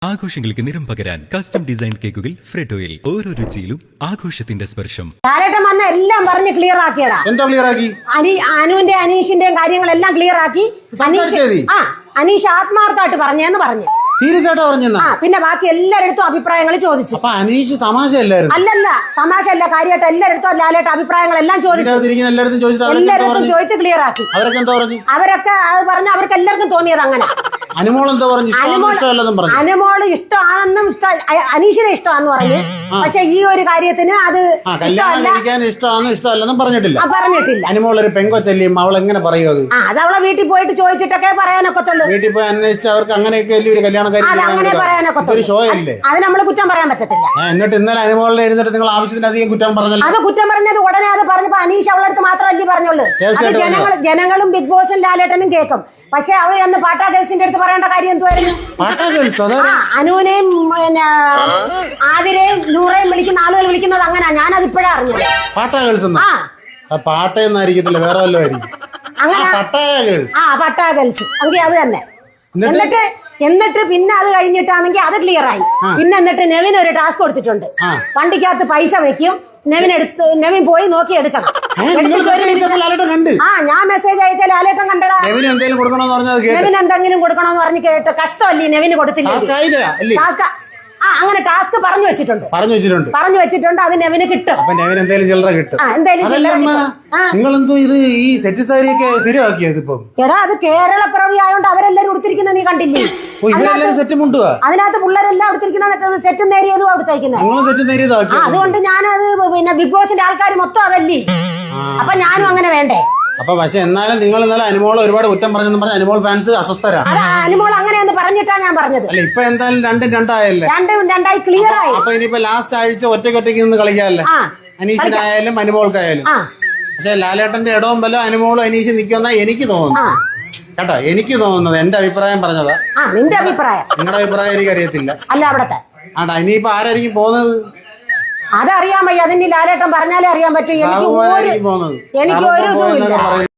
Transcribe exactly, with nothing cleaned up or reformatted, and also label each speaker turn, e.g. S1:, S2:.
S1: ആഘോഷങ്ങൾക്ക് നിറം പകരാൻ കസ്റ്റം ഡിസൈൻ കേക്കുകൾ ഫ്രെഡോയിൽ ഓരോ രുചിയിലും ആഘോഷത്തിന്റെ സ്പർശം.
S2: ലാലേട്ടൻ വന്ന എല്ലാം പറഞ്ഞ് ക്ലിയർ ആക്കിയടാ.
S3: എന്താ ക്ലിയർ ആക്കി?
S2: അനി അനുവിന്റെ അനീഷിന്റെയും കാര്യങ്ങളെല്ലാം ക്ലിയർ ആക്കി. ആ അനീഷ് ആത്മാർത്ഥമായിട്ട് പറഞ്ഞെന്ന് പറഞ്ഞു.
S3: സീരിയസ് ആയിട്ട് പറഞ്ഞെന്നാ?
S2: ആ പിന്നെ ബാക്കി എല്ലാരടുത്തും അഭിപ്രായങ്ങൾ ചോദിച്ചു.
S3: അപ്പൊ അനീഷ് തമാശ അല്ലായിരുന്നു?
S2: അല്ലല്ല, തമാശ അല്ല, കാര്യമായിട്ട് എല്ലാരടുത്തും ലാലേട്ട അഭിപ്രായങ്ങളെല്ലാം ചോദിച്ചു. എല്ലാരടുത്തും ചോദിച്ച് ക്ലിയർ ആക്കി.
S3: അവരൊക്കെ എന്താ പറഞ്ഞു?
S2: അവരൊക്കെ അത് പറഞ്ഞ അവർക്ക് എല്ലാവർക്കും തോന്നിയത് അങ്ങനെ.
S3: അനുമോൾ എന്താ പറഞ്ഞു?
S2: അനുമോള് ഇഷ്ടമാണെന്നും അനീഷിനെ ഇഷ്ടമാണെന്ന് പറഞ്ഞു. പക്ഷെ ഈ ഒരു കാര്യത്തിന് അത്
S3: ഇഷ്ടമാണെന്നും ഇഷ്ടമല്ലെന്നും പറഞ്ഞിട്ടില്ല.
S2: പറഞ്ഞിട്ടില്ല.
S3: അനുമോൾ ഒരു പെങ്കൊച്ചല്ലിയും അവൾ എങ്ങനെ പറയും അത്?
S2: അത് അവളെ വീട്ടിൽ പോയിട്ട് ചോദിച്ചിട്ടൊക്കെ പറയാനൊക്കത്തുള്ളൂ.
S3: വീട്ടിൽ പോയി അന്വേഷിച്ച് അവർക്ക് അങ്ങനെയൊക്കെ വലിയൊരു കല്യാണം
S2: അങ്ങനെ പറയാനൊക്കത്തുള്ളൂ.
S3: ഷോ അല്ലേ?
S2: അത് നമ്മള് കുറ്റം പറയാൻ പറ്റത്തില്ല.
S3: എന്നിട്ട് ഇന്നലെ അനുമോളിനെ എഴുന്നിട്ട് നിങ്ങൾ ആവശ്യത്തിനധികം കുറ്റം പറഞ്ഞല്ലോ.
S2: അത് കുറ്റം പറഞ്ഞത് ഉടനെ അത് പറഞ്ഞപ്പോ അനീഷ് അവളടുത്ത് മാത്രമല്ലേ പറഞ്ഞുള്ളൂ. അത് ജനങ്ങൾ ജനങ്ങളും ബിഗ് ബോസും ലാലേട്ടനും കേൾക്കും. പക്ഷെ അവൾ അന്ന് പാട്ടാ ഗേൾസിന്റെ അടുത്ത് പറയേണ്ട കാര്യം എന്തുവായിരുന്നു? അനുവിനെയും പിന്നെ ആതിരയും നൂറേയും വിളിക്കുന്ന ആളുകൾ വിളിക്കുന്നത് അങ്ങനെ. ഞാനത് ഇപ്പോഴാ അറിഞ്ഞത്.
S3: പാട്ടാ ഗേൾസ് പാട്ടയെന്നായിരിക്കത്തില്ല, വേറെ വല്ലതും
S2: അങ്ങനെ. ആ പട്ടാ ഗേൾസ് എങ്കിൽ അത് തന്നെ. എന്നിട്ട് എന്നിട്ട് പിന്നെ അത് കഴിഞ്ഞിട്ടാണെങ്കിൽ അത് ക്ലിയർ ആയി. പിന്നെ എന്നിട്ട് നെവിൻ ഒരു ടാസ്ക് കൊടുത്തിട്ടുണ്ട്. വണ്ടിക്കകത്ത് പൈസ വെക്കും, നെവിൻ എടുത്ത് നെവിൻ പോയി നോക്കി എടുക്കണം. ആ ഞാൻ മെസ്സേജ് അയച്ച ലാലേട്ടൻ കണ്ടടാ. നെവിൻ എന്തെങ്കിലും കൊടുക്കണോന്ന് പറഞ്ഞ് കേട്ട് കഷ്ടമല്ലേ നെവിന് കൊടുത്തില്ല. ആ അങ്ങനെ ടാസ്ക് പറഞ്ഞു വെച്ചിട്ടുണ്ട്
S3: പറഞ്ഞു വെച്ചിട്ടുണ്ട്
S2: പറഞ്ഞു വെച്ചിട്ടുണ്ട് അത് നെവിന് കിട്ടും.
S3: അപ്പൊ നെവിന് എന്തെങ്കിലും ചില്ലറ കിട്ടും.
S2: നിങ്ങളെന്തോ
S3: ഇത് ഈ സെറ്റ് സാരിയൊക്കെ സ്ഥിരമാക്കിയത് ഇപ്പൊ?
S2: എടാ അത് കേരള പിറവി ആയതുകൊണ്ട് അവരെല്ലാരും ഉടുത്തിരിക്കുന്ന നീ കണ്ടില്ലേ?
S3: സെറ്റ് മുണ്ടുവാ
S2: അതിനകത്ത് പിള്ളേരെല്ലാം ഉടുത്തിരിക്കുന്ന സെറ്റും നേരിയതും അവിടുത്തേക്കുന്നത്. അതുകൊണ്ട് ഞാനത് പിന്നെ ബിഗ് ബോസിന്റെ ആൾക്കാർ മൊത്തം അതല്ലേ. അപ്പൊ ഞാനും അങ്ങനെ വേണ്ടേ?
S3: അപ്പൊ പക്ഷെ എന്നാലും നിങ്ങൾ ഇന്നലെ അനുമോൾ ഒരുപാട് കുറ്റം പറഞ്ഞെന്ന് പറഞ്ഞ അനുമോൾ ഫാൻസ് അസ്വസ്ഥരാണ്.
S2: അനുമോൾ അങ്ങനെയെന്ന് പറഞ്ഞിട്ടാ ഞാൻ പറഞ്ഞത്.
S3: അല്ല ഇപ്പൊ എന്തായാലും രണ്ടും രണ്ടായല്ലേ?
S2: രണ്ടും രണ്ടായി ക്ലിയർ ആയി.
S3: അപ്പൊ ഇനിയിപ്പോ ലാസ്റ്റ് ആഴ്ച ഒറ്റയ്ക്കൊറ്റയ്ക്ക് നിന്ന് കളിക്കാല്ലേ? അനീഷിനായാലും അനുമോൾക്കായാലും. പക്ഷെ ലാലേട്ടന്റെ ഇടവും വല്ല അനുമോളും അനീഷ് നിൽക്കുമെന്നാ എനിക്ക് തോന്നുന്നു കേട്ടോ. എനിക്ക് തോന്നുന്നത് എന്റെ അഭിപ്രായം പറഞ്ഞതാ.
S2: നിന്റെ അഭിപ്രായം?
S3: നിങ്ങളുടെ അഭിപ്രായം എനിക്ക് അറിയത്തില്ല.
S2: അല്ല അവിടത്തെ
S3: ആടാ ഇനിയിപ്പോ ആരായിരിക്കും പോകുന്നത്?
S2: അതറിയാൻ വയ്യ. അതിന്റെ ലാലേട്ടൻ പറഞ്ഞാലേ അറിയാൻ പറ്റൂ. എനിക്ക് ഒരു എനിക്ക് ഒരു ഇതും ഇല്ല.